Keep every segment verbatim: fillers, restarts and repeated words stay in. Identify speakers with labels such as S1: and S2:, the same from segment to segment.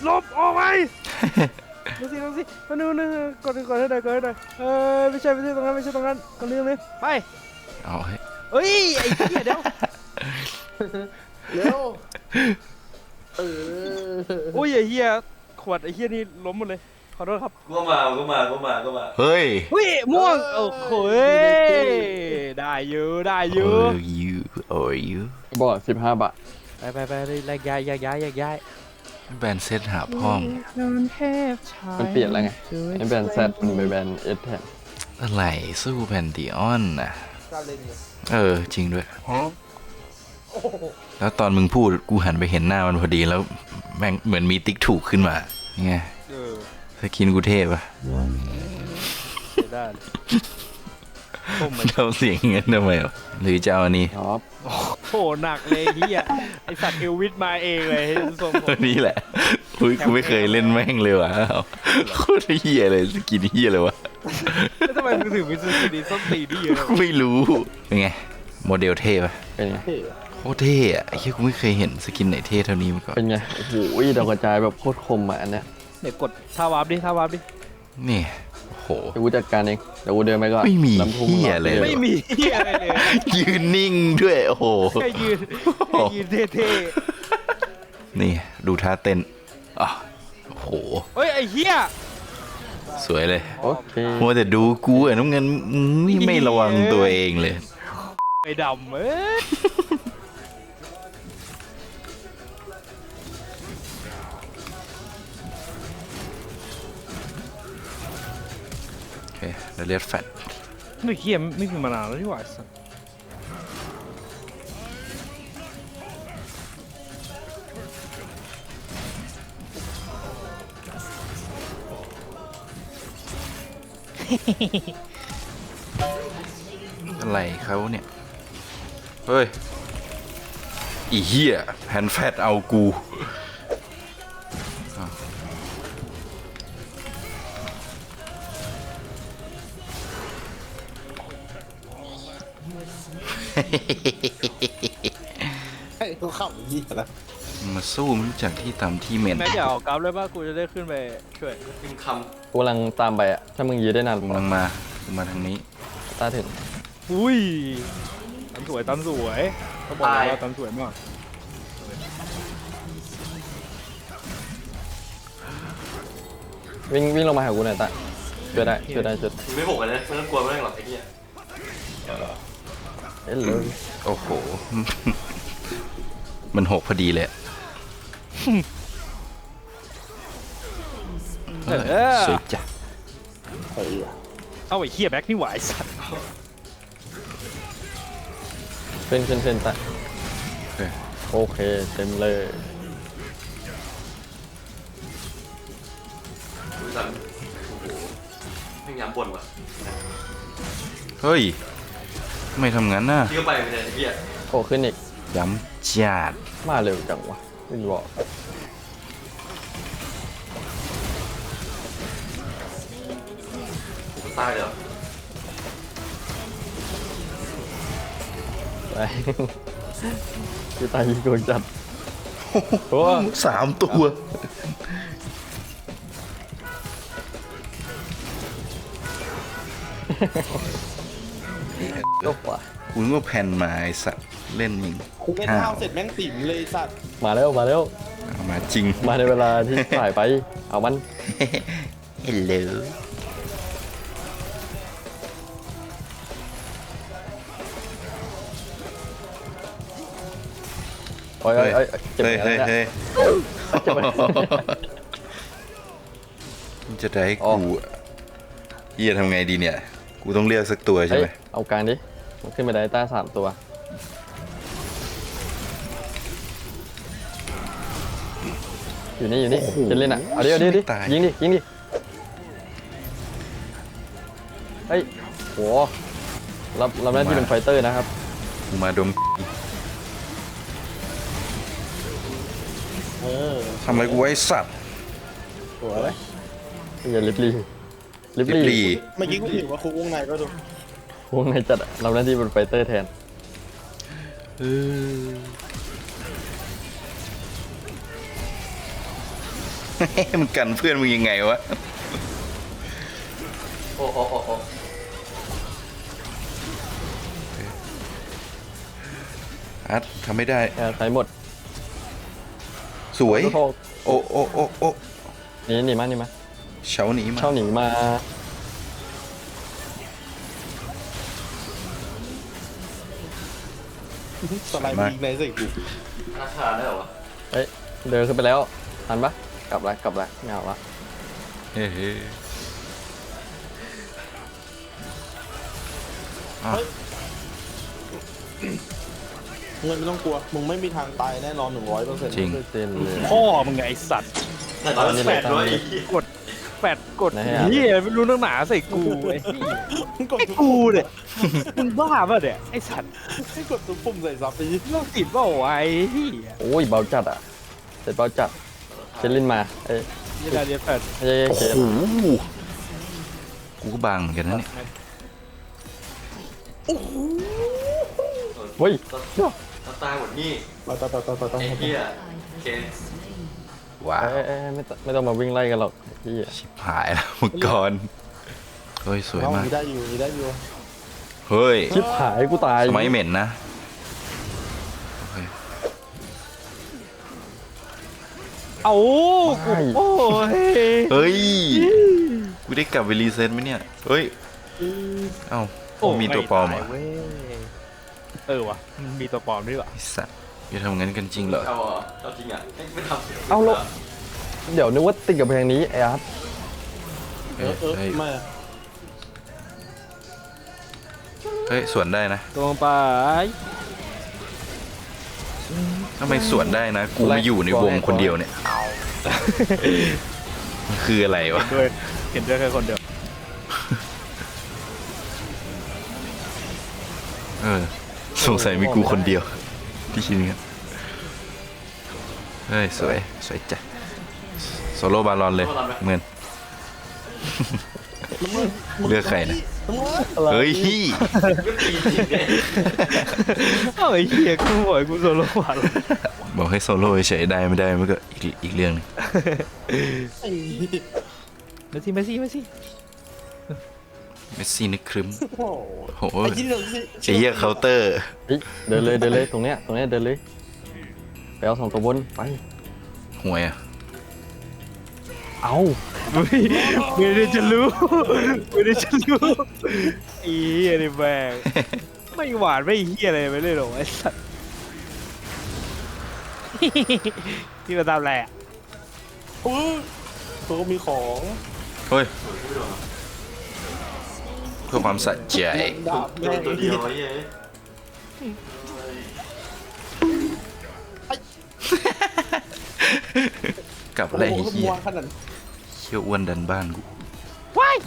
S1: ลบออกไปดูสิดูสิมาดูนึงกดกดให้หน่อยกดให้หน่อยเออไม่ใช่ไม่ใช่ตรงนั้นไม่ใช่ตรงนั้นตรงนี้ตรงนี้ไป
S2: เอาให้
S1: เฮ้ยไอ้เหี้ยเดี๋ยว
S3: เร็วเออ
S1: โอ้ยไอ้เหี้ยขวดไอ้เหี้ยนี่ล้มหมดเลยขอโทษครับ
S4: ก็มาก็มาก็มาก็มา
S2: เฮ้ย
S1: เฮ้ยม่วงโอ้โหได้อยู่ได้อยู่
S2: Are you Are you
S3: บอดสิบห้าบาท
S1: ไปไปไปเลยแยกย้ายแยกย้ายแยกย้าย
S2: แบนเซตหาพ่อม
S3: มันเปลี่ยนแล้วไงไอ้แบรนด์แซดมันไปแบรนด์เอสแทน
S2: อะไรสู้แพนติออนน่ะเออจริงด้วยแล้วตอนมึงพูดกูหันไปเห็นหน้ามันพอดีแล้วแม่งเหมือนมีติ๊กถูกขึ้นมาไงสกินกูเทพปะ
S1: ได้
S2: เราเสียงเงี้ยทำไมวะหรือจะเอาอันนี้
S3: ครับ
S1: โหหนักเลยเฮียไอสัตว์เอลวิสมาเองเลยทรงผม
S2: นี่แหละอุ้ยกูไม่เคยเล่นแม่งเลยว่ะโคตรเฮียเลยสกินเฮียเลยวะ
S1: แล้วทำไมมึงถึงมีสกินนี้ส้นตีนที่เยอะ
S2: ไม่รู้เป็นไงโมเดลเท่ปะ
S3: เป็นไง
S2: โคตรเท่อะไอ้เหี้ยกูไม่เคยเห็นสกินไหนเท่เท่านี้มาก่อน
S3: เป็นไงโอ้โหดาวกระจายแบบโคตรคมอ่ะอันเนี้ย
S1: เดี๋ยวกดท่าวาร์ปดิท่าวาร์ปดิ
S2: นี่โอ้โห
S3: เดี๋ยวกูจัดการเองเดี๋ยวกูเดินไปก่อน
S2: ไม่มีเหี้ยเลย
S1: ไม่มีเหี้ยอะไรเลย
S2: ยืนนิ่งด้วยโอ้โห
S1: แค่ยืนแค่ยืนเท่
S2: ๆนี่ดูท่าเต้นอ่ะโอ้โห
S1: เฮ้ยไอ้เหี้ย
S2: สวยเลย
S3: โอเค
S2: มัวแต่ดูกูอ่ะน้ำเงินนี่ไม่ระวังตัวเองเลย
S1: ไอ้ดำเอ้ย
S2: โอเคเราเรียกแฟต
S1: ไม่เหี้ยไม่มีมานานแล้วที่หว่าสัส
S2: อะไรเขาเนี่ยเฮ้ยอีเหี้ยแผ่นแฟตเอากู
S3: ให้เขาขับยี่แล้ว
S2: มาสู้มันจากที่ตามที่เมน
S1: แม็กอยากออกกราฟเลยป่ะกูจะได้ขึ้นไปช่วย
S4: พิมพ์ค
S3: กูกำลังตามไปอ่ะถ้ามึงยืนได้นาน
S2: กำลังมามาทางนี้
S3: ตาถึง
S1: อุ้ยตันสวยตันสวยเขาบอกว่าตันสวยมาก
S3: วิ่งวิ่งลงมาหากูหน่อยตาช่วยได้ช่วยได้ช่วย
S4: ำไม่หกเลยนะไม่ต้องกลัวไม่ต้องหรอกไอ้เหี้ย
S3: เอ้ยเลย
S2: โอ้โหมันหกพอดีเลยสวยจ้ะ
S1: เอาไอ้เหี้ยแบ็คนี่หวายสัตว์
S3: เป็นเป็นเป็นตาโอเคเต็มเลย
S4: ดูสันโอ้โหไม่ย้ำบ่นว่ะ
S2: เฮ้ยไม่ทำงั้นน่ะ
S4: ที่ก็ไปไม่ได้ไอ้เหี้ย
S3: โอ้ขึ้นอีก
S2: ย้ำจัด
S3: มาเร็วจังวะไม่บอก
S4: ตายเหรอ
S3: ไปที่ตายยิงโดนจัดโอ้
S2: สามตัว
S3: ก็ป่ะ
S2: คุณก็แผ่นมาไอสัตว์เล่นยิง
S5: เล่นเท้าเสร็จแม่งติ่มเลยสัตว์
S3: มาแล้วมาแล้ว
S2: มาจริง
S3: มาในเวลาที่ถ่ายไปเอามัน
S2: เฮลโหล
S3: โอ้ยโอ้ยเจ็บ
S2: เฮ้ย
S3: แล้
S2: เฮ้
S3: วย
S2: เฮ้ยมันจะได้กูเฮียทำไงดีเนี่ยกูต้องเลือกสักตัวใช่ไหม
S3: เอาการดิมันขึ้นไปได้ต้าสามตัวอยู่นี่อยู่นี่จะเล่นอ่ะเอาดิเอาดิดิยิงดิยิงดิเฮ้ยโหรับรับหน้าที่เป็นไฟเตอร์นะครับ
S2: กูมาดมทำอะไรกูไว้สัตว์
S3: โอ้ยอย่าลิบลี่ลิบลี่
S5: เมื่อกี้กูถือว่าคุกวงในก็ถูก
S3: วงในจัดรับหน้าที่เป็นไฟเตอร์แทน
S2: เออมันกันเพื่อนมึงยังไงวะ
S4: โอ้โอ้โอ้โอ้
S2: อาร์ตทำไม่ได้
S3: แค่ใช้หมด
S2: สวย
S3: โทษ
S2: โอ้โอ้โอ้โอ้
S3: หนีหนีมาหนีมา
S2: เฉาหนีมา
S3: เช่าหนีมา
S5: สไลด์ยิงในสิกู
S4: ราคาได้เหรอวะ
S3: เฮ้ยเดินขึ้นไปแล้วทันปะกลับละกลับละไม่เอาละ
S2: เฮ้ยอ้าว
S5: เงินไม่ต้องกลัว มึงไม่มีทางตายแน่นอนหนึ่งร้อยเปอร์เซ็นต์
S2: จริง
S3: เต้นเลย
S1: พ่อมึงไงไอสัตว์
S4: แต่ตอนนี้แปดด้วย
S1: กดแปดกด
S3: ไหนอะ
S1: เฮียไม่รู้นักหนาใส่กูไอ้เหี้ย
S5: กด
S1: ไอ้
S5: ทุก
S1: กูเนี่ยมึงบ้าป่ะเนี่ยไอ้สัตว์
S5: ให้กดทุกปุ่มใส่ซับไปยิ
S1: โรคติดเปล่าวะไอ้เหี้ย
S3: โอ้ยเบาจัดอ่ะเสร็จเบาจัดเชลลินมาเอ้ย
S1: ยี่ดาเดียแปด
S3: ไม่ใช่
S2: โอ้
S3: เชล
S2: โหกูก็บางเหมือนกันนะเนี่ย
S3: เฮ้ย
S4: ต้องตายหมดนี่
S5: ต่อต่อต่อต่อต่อต่อ
S4: ไอ้เหี้ยเค
S2: ว้า
S3: เอ้
S2: วย
S3: เอ้ยไม่ต้องไม่ต้องมาวิ่งไล่กันหรอกพี่
S2: ชิบหายแล้วมังกรเฮ้ยสวย
S5: เอา
S2: มาก
S5: มีได้อยู่มีได้อยู่
S2: เฮ้ย
S3: ชิบหายกูตาย
S2: สมัยเหม็นนะโอเค
S1: เอากูโอ้ย
S2: เฮ้ยกูได้กลับไปรีเซ็ตไหมเนี่ยเฮ้ยเอ้ามีตัวปลอมเหรอ
S1: ไตายเว้ยเออวะมันมีตัวปลอมด้วยวะ
S2: ไอ้สัตว์จะทำงั้นกันจริงเหรอ
S4: เอาเหรอเอาจริงอ่ะไม่ทำ
S3: เอาแล้วเดี๋ยวนึกว่าติดกับเพลงนี้ไอ้อาร์ต
S5: เออเออ
S2: เฮ้ย
S5: ไม่อะ
S2: เฮ้ยสวนได้นะ
S1: ตรงไป
S2: ทำไมสวนได้นะ กูมาอยู่ในวงคนเดียวเนี่ยมันคืออะไรวะ
S1: ด้วยเห็นด้วยแค่คนเดียว
S2: เออสงสัยมีกูคนเดียวที่คิดกันเฮ้ยสวยสวยจ้ะโซโล่บาลอนเลยเงินเลือกใครนะเฮ้ยฮี่
S4: ก็ตีจริงเลย
S1: เอ้าไอ้เหี้ยกูบ่อยกูโซโล่ผ่าน
S2: บอกให้โซโล่เฉยๆได้ไม่ได้มันก็อีกอีกเรื่องหนึง
S5: ไอ้
S1: มาสิมาสิมาสิ
S2: เมสซี่นึกครึ้ม
S5: โอ้
S2: โอ้โห
S5: ไอ้ที่เราสิ
S2: ไอ้เหี้ยเคาน์เตอร์
S3: เฮ้ยเดินเลยเดินเลยตรงเนี้ยตรงเนี้ยเดินเลยไปเอาสองตัวบนไป
S2: หวยอ่ะ
S3: เอา
S1: ไม่ไม่ได้จะรู้ไม่ได้จะรู้อีอะไรแบงไม่หวานไม่เหี้ยอะไรไม่ได้หรอกไอ้สัสที่มาตามแหละ
S5: โอ้ยเขาก็มีของ
S2: เฮ้ยเพื่อความสะใจ
S5: ดาบ
S4: โด
S5: แม่
S4: นตัวเดียวไอ้เหี้ย
S2: กลับ
S5: โอ้
S2: อะไร
S5: โห
S2: ไอ้เหี้ยว
S5: างขนาด
S2: เชี่ยวอ้วนดันบ้านกู
S1: ว้าย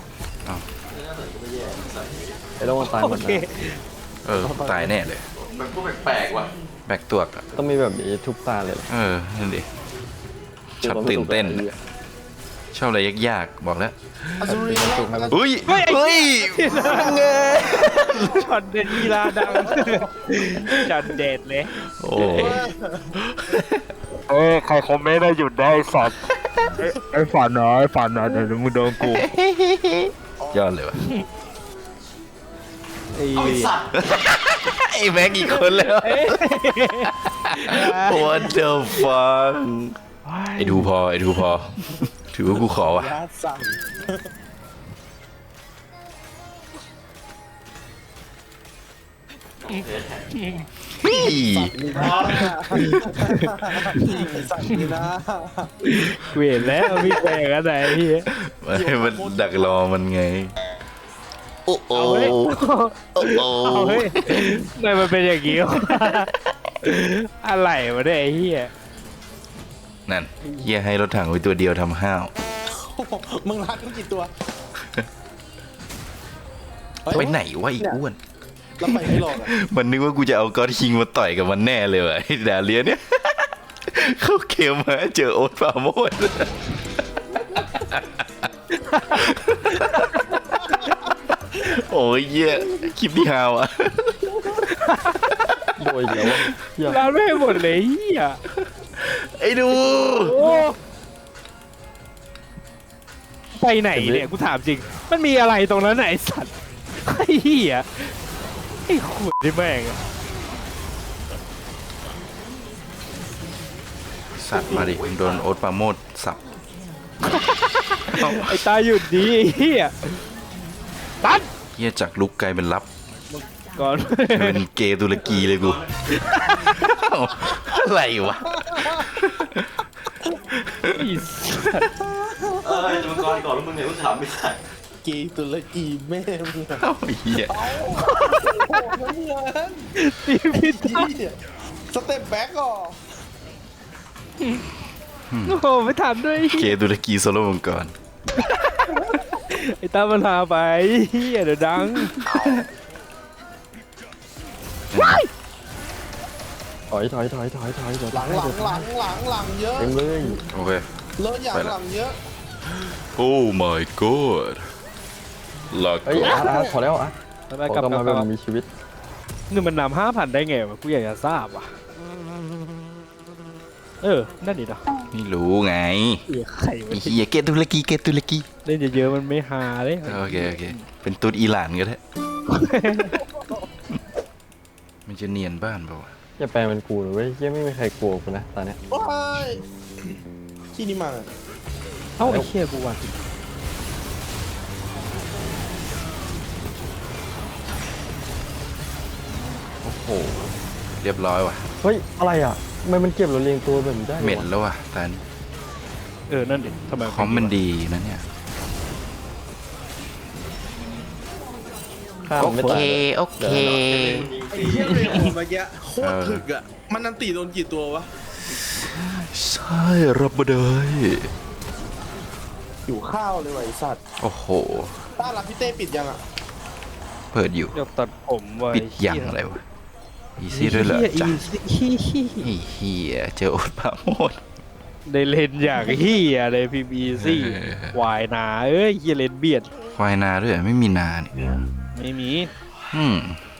S3: ไอ้ต้องมาตายหม
S1: โอ
S3: ด
S1: เค
S3: นะ
S2: เออตายแน่เลย
S4: มันก็แปลกๆว่ะ
S2: แบกตัวกอะ
S3: ต้องมีแบบนี้ทุกตาเลยเหรอ
S2: เออนั่นดิชอบตื่นเต้นอะชอบอะไรยากๆบอกแล้ว
S5: อัศรี
S3: ถูกไหมมัน
S2: อุ้ยเฮ้ยเงย
S1: ช็อตเด็ดกีฬาดังช็อตเด็ดเลย
S2: โอ้
S1: เอ้ใครคอมเมนต์ได้หยุดได้สัตว์ไอ้ฝันเนาะไอ้ฝันเนาะเดี๋ยวมึงโดนกู
S2: ยอดเลยวะ
S1: ไอ้
S4: เอาไอ้สัตว์
S2: ไอ้แม็กอีกคนแล้ว What the fuck ไอ้ดูพอไอ้ดูพอ ถือว่ากูขอวะ
S5: ญาติสั่ง
S2: พี่
S5: นี่นะไอ้สั่งนี่นะ
S1: เวียนแล้วมีแปลกอะไรพี่
S2: ไม่มันดักรอมันไง โอ้โห
S1: เอาเฮ้ย
S2: โอ้โห
S1: เอาเฮ้ยทำไมมันเป็นอย่างงี้วะอะไรวะเนี่ยไอ้เหี้ย
S2: นั่นเฮียให้รถถังไว้ตัวเดียวทำห้าว
S5: มึงรักมันกี่ตัว
S2: ไปไหนวะอีกอ้วน
S5: แล้วไปไม่หลอกอ่ะ
S2: มันนึกว่ากูจะเอากอดคิงมาต่อยกับมันแน่เลยวะไอ้ดาเลียเนี่ย เข้าเกมมาเจอโอ๊ตปราโมด โอ้ยเยี่ยคลิปที่ฮาวอ่ะ
S3: โดยอีกแล้ววะเหี้ย
S1: ร้านไม่หมดเลยเหี้ย
S2: ไอ้ดู
S1: โอ้ไปไหนเนี่ยกูถามจริงมันมีอะไรตรงนั้นไหนสัตว์ไอ้เหี้ยไอ้ขุดที่แม่ง
S2: สัตว์มาดิโดนโอ๊ตปราโมดสับ
S1: ไอ้ตาหยุดดีไอ้เหี้ยตัด
S2: เฮียจากลุกกลายเป็นลับ
S1: ก่อน
S2: เป็นเกย์ตุรกีเลยกู อะไรวะ
S1: ไอ้สัตว์
S4: เออจะมังกรก่อนแล้วมึงเนี่ยกูถามไม่ได้
S5: กีตุรกีแม่มึงอะ
S2: เอ้าเฮีย
S5: โอ้โหเหมือน
S1: ตีพิษ
S5: เหี้ยสเต็ปแบ็กอ่ะ
S1: โอ้โหไม่ถามด้วย
S2: เกย์ตุรกีโซโลมังกร
S1: ไอ้ตามันหาไปเหี้ยเดี๋ยวดัง
S3: ถอยถอยถอยถอยถอยเดี๋ยว
S5: หลังหลังหลังหลังหลังเยอะ
S3: เต็มเลย
S2: โอเค
S5: เลิศอย่างหลังเยอะ
S2: โอ้ my god ลา
S3: เฮ้ย
S2: ก่อ
S3: อาร์ตอาร์ตพอแล้วอาร์ต
S1: ไป
S3: ข
S1: กลับ
S3: อกลับ
S1: กลั
S3: มา
S1: บ
S3: แบบ
S1: กลับ
S3: มีชีวิต
S1: เงินมันนำห้าพันได้ไงวะกูอยากจะทราบว่ะเออนั่นดิเนาะ
S2: ไม่รู้ไง
S1: เหี้ยไข่มัน
S2: ไอ้เฮียเกย์ตุรกีเกย์ตุรกี
S1: เล่นเยอะๆมันไม่ฮาเลย
S2: โอเคโอเคเป็นตุ๊ดอิหร่านก็ได้ มันจะเนียนบ้านเปล่าวะ
S3: อย่าแปลเป็นกูเลยเว้ยยังไม่มีใครกลัวกูนะตอนเนี้ย
S5: ว้ายที่นี่มา
S1: เอ้าไอ้เหี้ยกูว่ะ
S2: โอ้โหเรียบร้อยว่ะ
S3: เฮ้ยอะไรอ่ะทำไมมันเก็บเราเรียงตัวแบบนี้ได้วะ
S2: เหม็นแล้วว่ะตอนนี้
S1: เออนั่นดิทำไม
S2: คอมมันดีนะเนี่ย
S3: ข้าม
S2: โอ
S3: ไม่
S2: เค
S3: ตายเลย
S2: โอเค
S5: ไอ้เหี้ยเรโอเมื่อกี้โคตรถึกอ่ะ มันนันตีโดนกี่ตัววะ
S2: ใช่รับมาเลย
S5: อยู่ข้าวเลยว่ะไอ้สัตว์
S2: โอ้โห
S5: ต้ารับพี่เต้ปิดยังอ่ะ
S2: เปิดอยู่
S1: เดี๋ยวตัดผมไว้
S2: ปิดยังอะไรวะอีซี่ด้วยเหรอจ๊ะ
S1: ฮีฮี
S2: ไอ้เฮียเจอโอ๊ตปราโมด
S1: ได้เล่นอย่างเฮียเลยพีบีซี่
S2: เออ
S1: วายนาเอ้ยเฮียเล่นเบียด
S2: ควายนาด้วยไม่มีนาเนี่ย
S1: ไม่มี
S2: อืม